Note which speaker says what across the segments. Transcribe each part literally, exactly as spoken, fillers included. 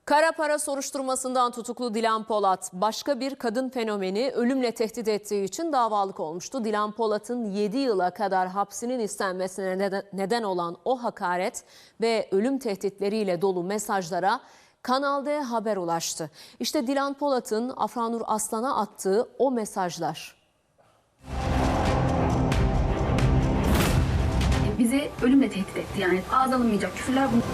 Speaker 1: Kara para soruşturmasından tutuklu Dilan Polat, başka bir kadın fenomeni ölümle tehdit ettiği için davalık olmuştu. Dilan Polat'ın yedi yıla kadar hapsinin istenmesine neden, neden olan o hakaret ve ölüm tehditleriyle dolu mesajlara Kanal D haber ulaştı. İşte Dilan Polat'ın Afranur Aslan'a attığı o mesajlar.
Speaker 2: Bizi ölümle tehdit etti, yani ağız alınmayacak küfürler bunlar.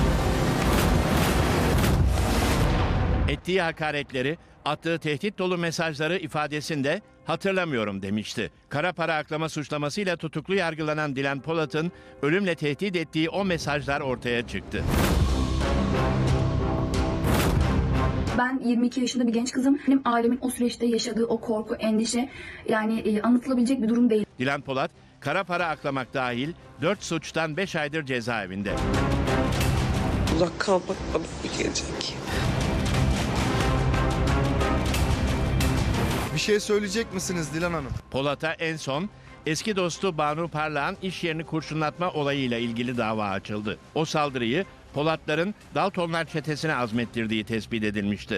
Speaker 3: Ettiği hakaretleri, attığı tehdit dolu mesajları ifadesinde hatırlamıyorum demişti. Kara para aklama suçlamasıyla tutuklu yargılanan Dilan Polat'ın ölümle tehdit ettiği o mesajlar ortaya çıktı.
Speaker 2: Ben yirmi iki yaşında bir genç kızım. Benim ailemin o süreçte yaşadığı o korku, endişe yani e, anlatılabilecek bir durum değil.
Speaker 3: Dilan Polat, kara para aklamak dahil dört suçtan beş aydır cezaevinde.
Speaker 4: Uzak kalmak bana iyi gelecek.
Speaker 5: Bir şey söyleyecek misiniz Dilan Hanım?
Speaker 3: Polat'a en son eski dostu Banu Parlak'ın iş yerini kurşunlatma olayıyla ilgili dava açıldı. O saldırıyı Polatların Daltonlar çetesine azmettirdiği tespit edilmişti.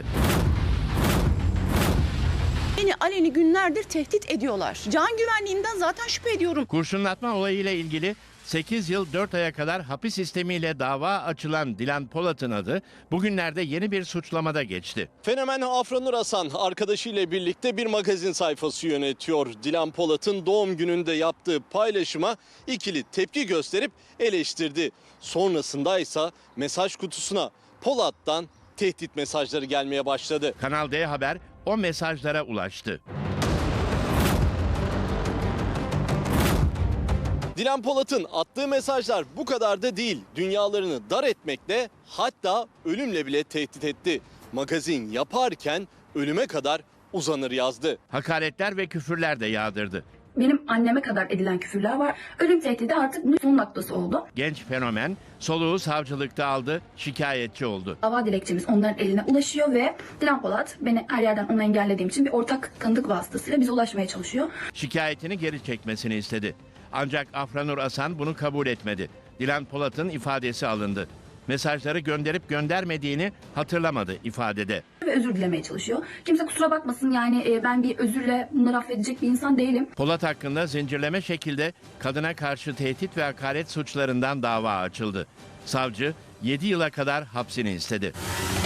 Speaker 6: Beni aleni günlerdir tehdit ediyorlar. Can güvenliğimden zaten şüphe ediyorum.
Speaker 3: Kurşunlatma olayıyla ilgili sekiz yıl dört aya kadar hapis sistemiyle dava açılan Dilan Polat'ın adı bugünlerde yeni bir suçlamada geçti.
Speaker 7: Fenomen Afranur Asan arkadaşıyla birlikte bir magazin sayfası yönetiyor. Dilan Polat'ın doğum gününde yaptığı paylaşıma ikili tepki gösterip eleştirdi. Sonrasında ise mesaj kutusuna Polat'tan tehdit mesajları gelmeye başladı.
Speaker 3: Kanal D Haber o mesajlara ulaştı.
Speaker 7: Dilan Polat'ın attığı mesajlar bu kadar da değil. Dünyalarını dar etmekle, hatta ölümle bile tehdit etti. Magazin yaparken ölüme kadar uzanır yazdı.
Speaker 3: Hakaretler ve küfürler de yağdırdı.
Speaker 2: Benim anneme kadar edilen küfürler var. Ölüm tehdidi artık bunun son noktası oldu.
Speaker 3: Genç fenomen soluğu savcılıkta aldı, şikayetçi oldu.
Speaker 2: Dava dilekçemiz onların eline ulaşıyor ve Dilan Polat beni her yerden onu engellediğim için bir ortak tanıdık vasıtasıyla bize ulaşmaya çalışıyor.
Speaker 3: Şikayetini geri çekmesini istedi. Ancak Afranur Asan bunu kabul etmedi. Dilan Polat'ın ifadesi alındı. Mesajları gönderip göndermediğini hatırlamadı ifadede.
Speaker 2: Ve özür dilemeye çalışıyor. Kimse kusura bakmasın, yani e, ben bir özürle bunları affedecek bir insan değilim.
Speaker 3: Polat hakkında zincirleme şekilde kadına karşı tehdit ve hakaret suçlarından dava açıldı. Savcı yedi yıla kadar hapsini istedi.